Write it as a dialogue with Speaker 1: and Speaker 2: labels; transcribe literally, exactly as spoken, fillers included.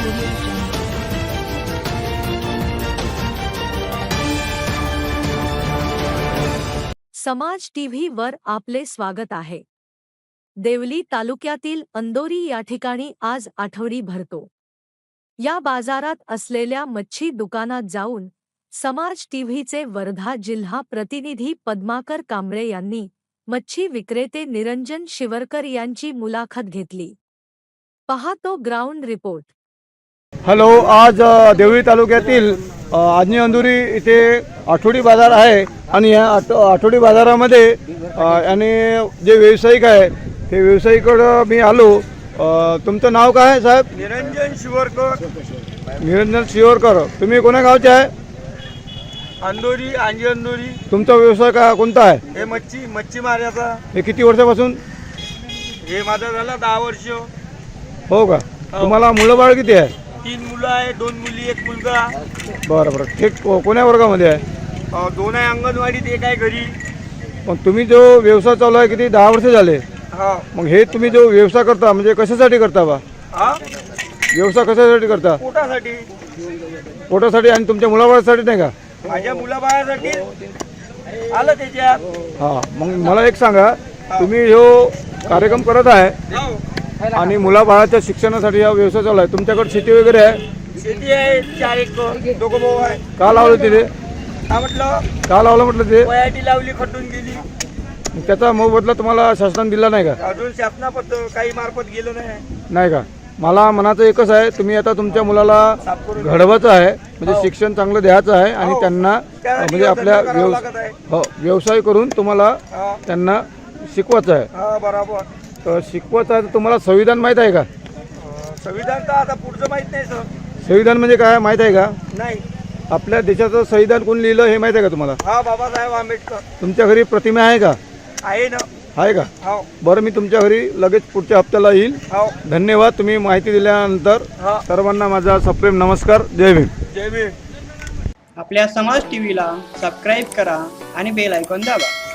Speaker 1: समाज टीव्ही वर आपले स्वागत आहे। देवली तालुक्यातील अंदोरी या ठिकाणी आज आठवडी भरतो। या बाजारात असलेल्या मच्छी दुकानात जाऊन समाज टीव्हीचे वर्धा जिल्हा प्रतिनिधी पद्माकर कांबळे यांनी मच्छी विक्रेते निरंजन शिवरकर यांची मुलाखत घेतली। पाहतो ग्राउंड रिपोर्ट।
Speaker 2: हॅलो, आज अ, देवळी तालुक्यातील अ, आजनी अंदुरी इथे आठवडी बाजार आहे आणि या आठ आठवडी बाजारामध्ये अ, आणि जे व्यावसायिक आहे ते व्यावसायिकडं मी आलो। अ, तुमचं नाव काय आहे साहेब?
Speaker 3: निरंजन शिवरकर,
Speaker 2: निरंजन शिवरकर। तुम्ही कोण्या गावचे आहे?
Speaker 3: अंदोरी, आंजी अंदोरी।
Speaker 2: तुमचा व्यवसाय का कोणता आहे?
Speaker 3: हे मच्छी मच्छी मारायचा।
Speaker 2: हे किती वर्षापासून?
Speaker 3: हे माझा झाला दहा वर्ष।
Speaker 2: हो का? तुम्हाला मुलं बाळ किती आहे?
Speaker 3: तीन मुलं आहे, दोन मुली, एक मुलगा।
Speaker 2: बरं बरं, हे को- कोण्या वर्गामध्ये आहे?
Speaker 3: अ, दोन आहे अंगणवाडीत, एक आहे घरी।
Speaker 2: पण तुम्ही जो व्यवसाय चालू आहे किती दहा वर्ष झाले,
Speaker 3: हा
Speaker 2: मग हे तुम्ही जो व्यवसाय करता म्हणजे कशासाठी करता बा?
Speaker 3: हा
Speaker 2: व्यवसाय कशासाठी करता?
Speaker 3: पोटासाठी,
Speaker 2: पोटासाठी आणि तुमच्या मुलाबाळासाठी नाही का?
Speaker 3: माझ्या मुलाबाळासाठी आलं त्याच्यात।
Speaker 2: हा, मग मला एक सांगा, तुम्ही जो कार्यक्रम करत आहे
Speaker 3: हो,
Speaker 2: आणि मुलाबाळाच्या शिक्षणासाठी हा व्यवसाय चालू आहे, तुमच्याकडे शेती वगैरे आहे?
Speaker 3: शेती आहे, चार एकर, दोघं भाऊ आहे।
Speaker 2: का लावलं तिथे?
Speaker 3: काय म्हटलं?
Speaker 2: का लावलं म्हटलं ते?
Speaker 3: वयाटी लावली, खटून गेली।
Speaker 2: मग त्याचा मोबदला तुम्हाला शासनाने दिला नाही का?
Speaker 3: अजून शासनापत काही मार्फत गेलो नाही।
Speaker 2: नाही का? मला मनाचं एकच आहे, तुम्ही आता तुमच्या मुलाला घडवायचं आहे, म्हणजे शिक्षण चांगलं द्यायचं आहे आणि त्यांना म्हणजे आपल्या व्यव हो व्यवसाय करून तुम्हाला
Speaker 3: हा
Speaker 2: त्यांना शिकवायचं आहे।
Speaker 3: हा बरोबर।
Speaker 2: तर शिकवायचं आहे तर तुम्हाला संविधान माहीत आहे का?
Speaker 3: संविधान तर आता पुढचं माहित नाही सर।
Speaker 2: संविधान म्हणजे काय माहीत आहे का?
Speaker 3: नाही।
Speaker 2: आपल्या देशाचं संविधान कोण लिहिलं हे माहीत आहे का तुम्हाला?
Speaker 3: हा, बाबासाहेब आंबेडकर।
Speaker 2: तुमच्या घरी प्रतिमा आहे का?
Speaker 3: आहे ना।
Speaker 2: आहे का?
Speaker 3: हो
Speaker 2: बरं, मी तुमच्या घरी लगेच पुढच्या हप्त्याला येईल।
Speaker 3: हो
Speaker 2: धन्यवाद, तुम्ही माहिती दिल्यानंतर।
Speaker 3: हा,
Speaker 2: सर्वांना माझा सप्रेम नमस्कार। जय भीम।
Speaker 3: जय भीम।
Speaker 4: आपल्या समाज टीव्हीला सबस्क्राईब करा आणि बेल आयकॉन दाबा।